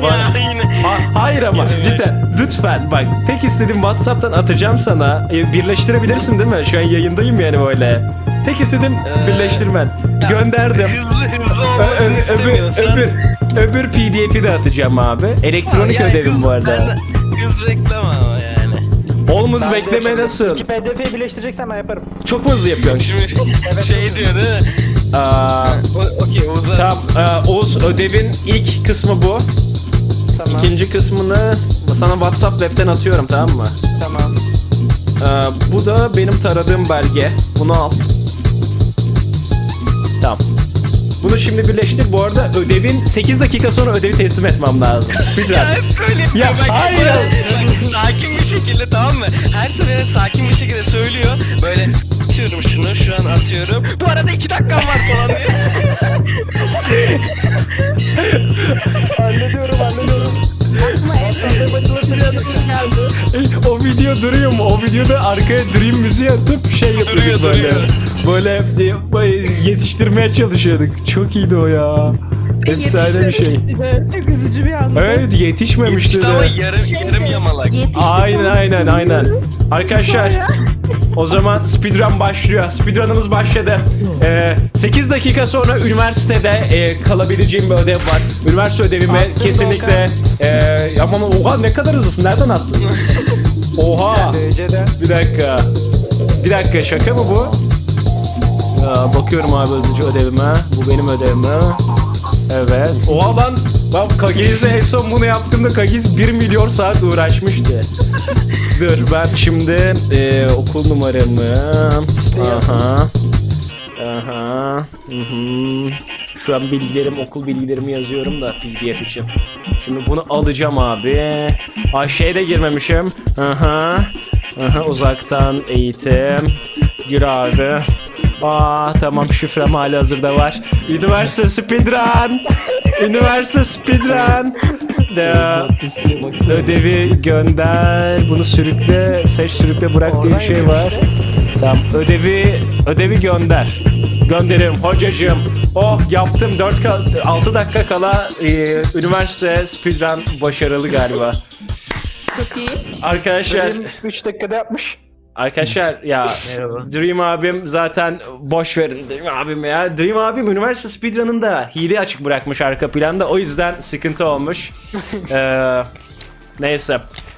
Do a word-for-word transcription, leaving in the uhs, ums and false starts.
Ya yine. Ha- hayır ama cidden lütfen bak, tek istediğim WhatsApp'tan atacağım sana. E, birleştirebilirsin değil mi? Şu an yayındayım yani böyle. Tek istediğim Ee, birleştirmen. Gönderdim. Hızlı hızlı Ö- olmasını ö- öbür, istemiyorsan. öbür, öbür P D F'i de atacağım abi. Elektronik Ya ödevim hız- bu arada. ben de Hız bekleme ama yani. Olmaz Ben de bekleme şimdi nasıl? İki P D F'yi birleştireceksen ben yaparım. Çok mu hızlı yapıyorsun? Şimdi şey diyor değil mi? Aa, O- Okey Oğuz'a. tamam, e, Oğuz, ödevin ilk kısmı bu. Tamam. İkinci kısmını sana WhatsApp web'ten atıyorum, tamam mı? Tamam. Ee, bu da benim taradığım belge. Bunu al. Tamam. Bunu şimdi birleştir. Bu arada ödevin sekiz dakika sonra ödevi teslim etmem lazım. Speedrun. Ya hep böyle yapıyor. Ya Bak, hayır. böyle sakin bir şekilde, tamam mı? Her seferinde sakin bir şekilde söylüyor. Böyle atıyorum şunu, şu an atıyorum. Bu arada iki dakikam var falan diyor. Hallediyorum hallediyorum. Aklıma açılır geldi. O video duruyor mu? O videoda arkaya dream müziği atıp şey yapıyorduk Duruyor, böyle. duruyor. Böyle, e, böyle yetiştirmeye çalışıyorduk. Çok iyiydi o ya. Efsane bir şey. Çok üzücü bir anda. Evet, yetişmemişti İşte ama de. yarım, yarım yamalak. Yetişti Aynen sonra. aynen aynen. Arkadaşlar, o zaman speedrun başlıyor. Speedrun'ımız başladı. Ee, sekiz dakika sonra üniversitede e, kalabileceğim bir ödev var. Üniversite ödevimi Attın kesinlikle... E, ama oha, ne kadar hızlısın. Nereden attın? Oha. Dereceden. Bir dakika. Bir dakika, şaka mı bu? Ya, bakıyorum abi hızlıca ödevime. Bu benim ödevim. Evet. Oha lan. Bak, Kagiz'e en son bunu yaptığımda Kagiz bir milyon saat uğraşmıştı. Dur ben şimdi e, okul numaramı. Aha. Aha. Hı hı. Şu an bilgilerim, okul bilgilerimi yazıyorum da P D F için. Şimdi bunu alacağım abi. Ay, şeye de girmemişim. Aha. Aha, uzaktan eğitim. Gir abi. Aa tamam, şifrem hali hazırda var. Üniversite speedrun. Üniversite speedrun. De, ödevi gönder. Bunu sürükle, seç, sürükle, bırak diye bir şey var. Tamam, ödevi ödevi gönder. Gönderiyorum hocacığım. Oh, yaptım. dört altı dakika kala e, üniversite speedrun başarılı galiba. Çok iyi. Arkadaşlar, üç dakikada yapmış. Arkadaşlar ya, Dream abim zaten boş verin Dream abim ya. Dream abim üniversite speedrun'ında hile açık bırakmış arka planda, o yüzden sıkıntı olmuş. ee, neyse.